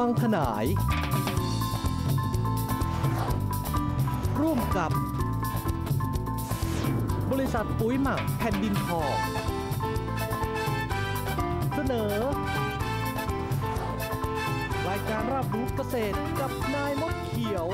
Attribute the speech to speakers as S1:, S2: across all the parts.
S1: วังขนายร่วมกับบริษัทปุ๋ยหมักแผ่นดินทองเสนอรายการรับรู้เกษตรกับนายมดเขียว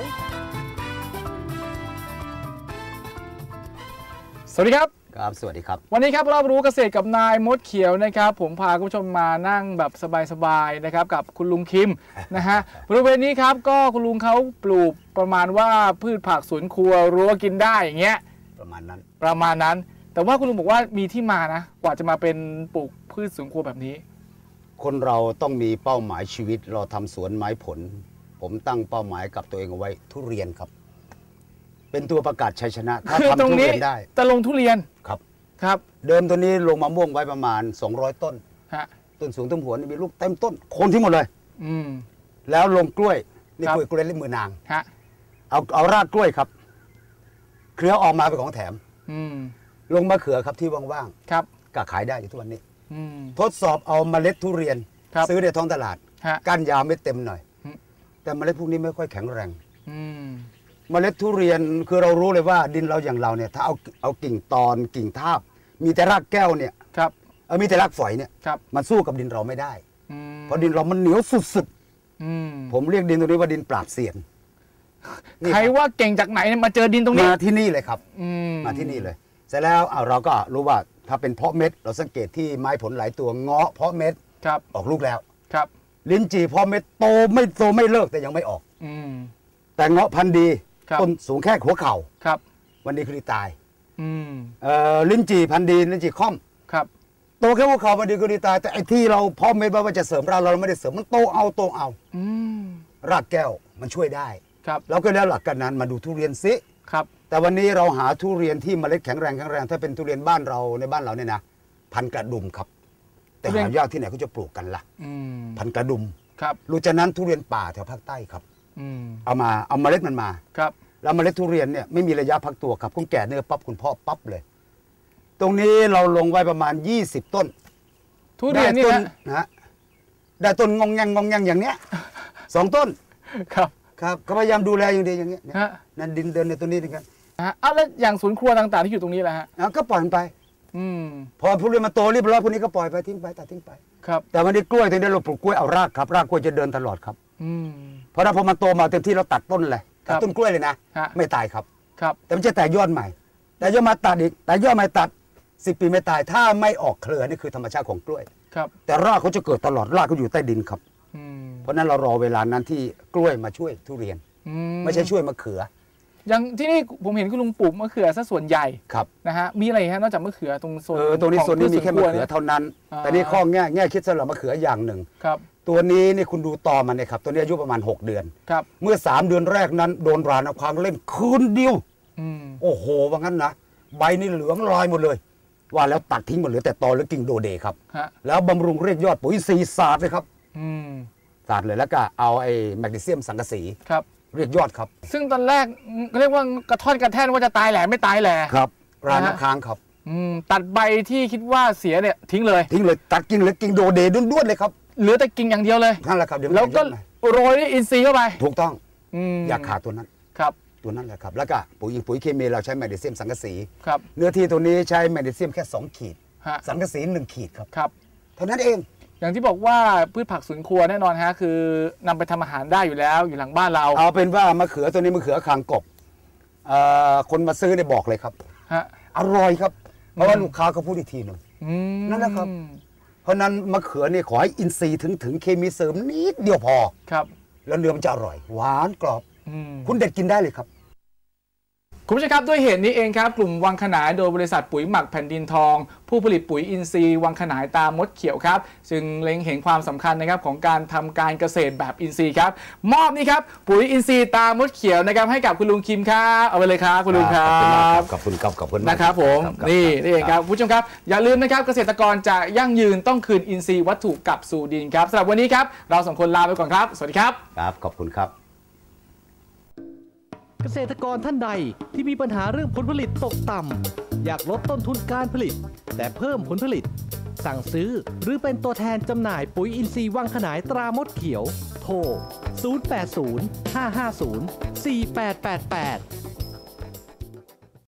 S2: สวัสดีครับ
S3: ครับสวัสดีครับ
S2: วันนี้ครับเรารู้เกษตรกับนายมดเขียวนะครับผมพาคุณผู้ชมมานั่งแบบสบายๆนะครับกับคุณลุงคิมนะฮะบริเวณนี้ครับก็คุณลุงเขาปลูกประมาณว่าพืชผักสวนครัวรั้วกินได้อย่างเงี้ย
S3: ประมาณ
S2: นั้นแต่ว่าคุณลุงบอกว่ามีที่มานะกว่าจะมาเป็นปลูกพืชสวนครัวแบบนี้
S3: คนเราต้องมีเป้าหมายชีวิตเราทำสวนไม้ผลผมตั้งเป้าหมายกับตัวเองเอาไว้ทุเรียนครับเป็นตัวประกาศชัยชนะถ้าทำทุเรียนได้
S2: แต่ลงทุเรียน
S3: ครับเดิมตัวนี้ลงมะม่วงไว้ประมาณ200ต้นต้นสูงต้นหัวนี่มีลูกเต็มต้นโคนที่หมดเลยแล้วลงกล้วยนี่กล้วยเล่นมือนางเอารากกล้วยครับเครือออกมาเป็นของแถมลงมะเขือครับที่ว่างๆก็ขายได้อยู่ทุกวันนี้ทดสอบเอาเมล็ดทุเรียนซื้อในท้องตลาดก้านยาวไม่เต็มหน่อยแต่เมล็ดพวกนี้ไม่ค่อยแข็งแรงเมล็ดทุเรียนคือเรารู้เลยว่าดินเราอย่างเราเนี่ยถ้าเอากิ่งตอนกิ่งทาบมีแต่รากแก้วเนี่ยมีแต่รากฝอยเนี่ยมันสู้กับดินเราไม่ได้เพราะดินเรามันเหนียวสุดๆผมเรียกดินตรงนี้ว่าดินปราบเซียน
S2: ใครว่าเก่งจากไหนมาเจอดินตรงนี้
S3: มาที่นี่เลยครับมาที่นี่เลยเสร็จแล้วเราก็รู้ว่าถ้าเป็นเพาะเม็ดเราสังเกตที่ไม้ผลหลายตัวเงาะเพาะเม็ดออกลูกแล้วลิ้นจี่เพาะเม็ดโตไม่เลิกแต่ยังไม่ออกแต่เงาะพันธุ์ดีต้นสูงแค่หัวเข่าวันนี้คือตายลิ้นจี่พันธุ์ดีลิ้นจี่ค่อมโตแค่หัวเข่าวันนี้คือตายแต่ไอ้ที่เราเพาะเม็ดว่าจะเสริมเราไม่ได้เสริมมันโตเอารากแก้วมันช่วยได้เราก็ได้หลักการนั้นมาดูทุเรียนซิแต่วันนี้เราหาทุเรียนที่เมล็ดแข็งแรงถ้าเป็นทุเรียนบ้านเราในบ้านเราเนี่ยนะพันกระดุมครับแต่หายากที่ไหนเขาจะปลูกกันล่ะพันกระดุมรู้จักนั้นทุเรียนป่าแถวภาคใต้ครับเอาเมล็ดมันมาแล้วเมล็ดทุเรียนเนี่ยไม่มีระยะพักตัวครับคุณแก่เนื้อปั๊บคุณพ่อปั๊บเลยตรงนี้เราลงไว้ประมาณ20ต้น
S2: ทุเรียนนี่
S3: นะได้ต้นงองแงงอย่างเนี้ย2ต้นครับก็พยายามดูแลอย่างดีอย่างเงี้ยนั่นดินเดินในตัวนี้นะครับ
S2: แล้วอย่างสวนครัวต่างๆที่อยู่ตรงนี้แหละฮะ
S3: ก็ปล่อยมันไปพอทุเรียนมาโตเรียบร้อยพวกนี้ก็ปล่อยไปทิ้งไปตัดทิ้งไปแต่วันนี้กล้วยตรงนี้เราปลูกกล้วยเอารากครับรากกล้วยจะเดินตลอดครับเพราะถ้าพอมันโตมาเต็มที่เราตัดต้นเลยตัดต้นกล้วยเลยนะไม่ตายครับแต่มันจะแตกยอดใหม่แต่ยอดมาตัดอีกแต่ยอดใหม่ตัด10 ปีไม่ตายถ้าไม่ออกเครือนี่คือธรรมชาติของกล้วยแต่รากเขาจะเกิดตลอดรากเขาอยู่ใต้ดินครับเพราะนั้นเรารอเวลานั้นที่กล้วยมาช่วยทุเรียนไม่ใช่ช่วยมะเขือ
S2: อย่างที่นี่ผมเห็นคุณลุงปลูกมะเขือซะส่วนใหญ่นะฮะมีอะไรฮะนอกจากมะเขือตรงโซน
S3: ตรงนี้โซนนี้มีแค่มะเขือเท่านั้นแต่นี่ข้อแง่คิดสำหรับมะเขืออย่างหนึ่งตัวนี้นี่คุณดูตอมันเนี่ยครับตัวนี้อายุประมาณ6 เดือนเมื่อ3 เดือนแรกนั้นโดนราน้ำค้างเล่นคืนเดียวโอ้โหว่างั้นนะใบนี่เหลืองลอยหมดเลยว่าแล้วตัดทิ้งหมดเหลือแต่ตอหรือกิ่งโดเดครับแล้วบำรุงเรียกยอดปุ๋ย4 ศาสตร์เลยครับศาสตร์เลยแล้วก็เอาไอ้แมกนีเซียมสังกะสีเรียกยอดครับ
S2: ซึ่งตอนแรกเรียกว่ากระท่อนกระแท่นว่าจะตายแหล่ไม่ตายแหล่
S3: ครับราน้ำค้างครับ
S2: ตัดใบที่คิดว่าเสียเนี่ยทิ้งเลย
S3: ตัดกิ่งเลยกิ่งโดเดด้วนเลยครับ
S2: เหลือแต่กิ่งอย่างเดียวเลย
S3: นั่นแหละครับ
S2: แล้วก็โรยด้วยอินทรีย์เข้าไป
S3: ถูกต้องอย่าขาดตัวนั้นตัวนั้นแหละครับแล้วก็ปุ๋ยเคมีเราใช้แมกนีเซียมสังกะสีเนื้อที่ตัวนี้ใช้แมกนีเซียมแค่2 ขีดสังกะสี1 ขีดครับเท่านั้นเอง
S2: อย่างที่บอกว่าพืชผักสวนครัวแน่นอนฮะคือนำไปทำอาหารได้อยู่แล้วอยู่หลังบ้านเรา
S3: เอาเป็นว่ามะเขือตัวนี้มะเขือคางกบคนมาซื้อเนี่ยบอกเลยครับอร่อยครับเพราะว่าลูกค้าเขาพูดอีกทีหนึ่งนั่นแหละครับเพราะนั้นมะเขือเนี่ยขอให้อินทรีย์ถึงเคมีเสริมนิดเดียวพอ
S2: ครับ
S3: แล้วเนื้อมันจะอร่อยหวานกรอบคุณเด็ดกินได้เลยครับ
S2: คุณผู้ชมครับด้วยเหตุนี้เองครับกลุ่มวังขนายโดยบริษัทปุ๋ยหมักแผ่นดินทองผู้ผลิตปุ๋ยอินทรีย์วังขนายตามดเขียวครับจึงเล็งเห็นความสำคัญนะครับของการทำการเกษตรแบบอินทรีย์ครับมอบนี่ครับปุ๋ยอินทรีย์ตามดเขียวนะครับให้กับคุณลุงคิมครับเอาไปเลยครับคุณลุงครับ
S3: ขอบคุณครับขอบคุณ
S2: นะครับผมนี่เองครับผู้ชมครับอย่าลืมนะครับเกษตรกรจะยั่งยืนต้องคืนอินทรีย์วัตถุกลับสู่ดินครับสำหรับวันนี้ครับเรา2 คนลาไปก่อนครับสวัสดีครับ
S3: ครับขอบคุณครับ
S1: เกษตรกรท่านใดที่มีปัญหาเรื่องผลผลิตตกต่ำอยากลดต้นทุนการผลิตแต่เพิ่มผลผลิตสั่งซื้อหรือเป็นตัวแทนจำหน่ายปุ๋ยอินทรีย์วังขนายตรามดเขียวโทร 080 550 4888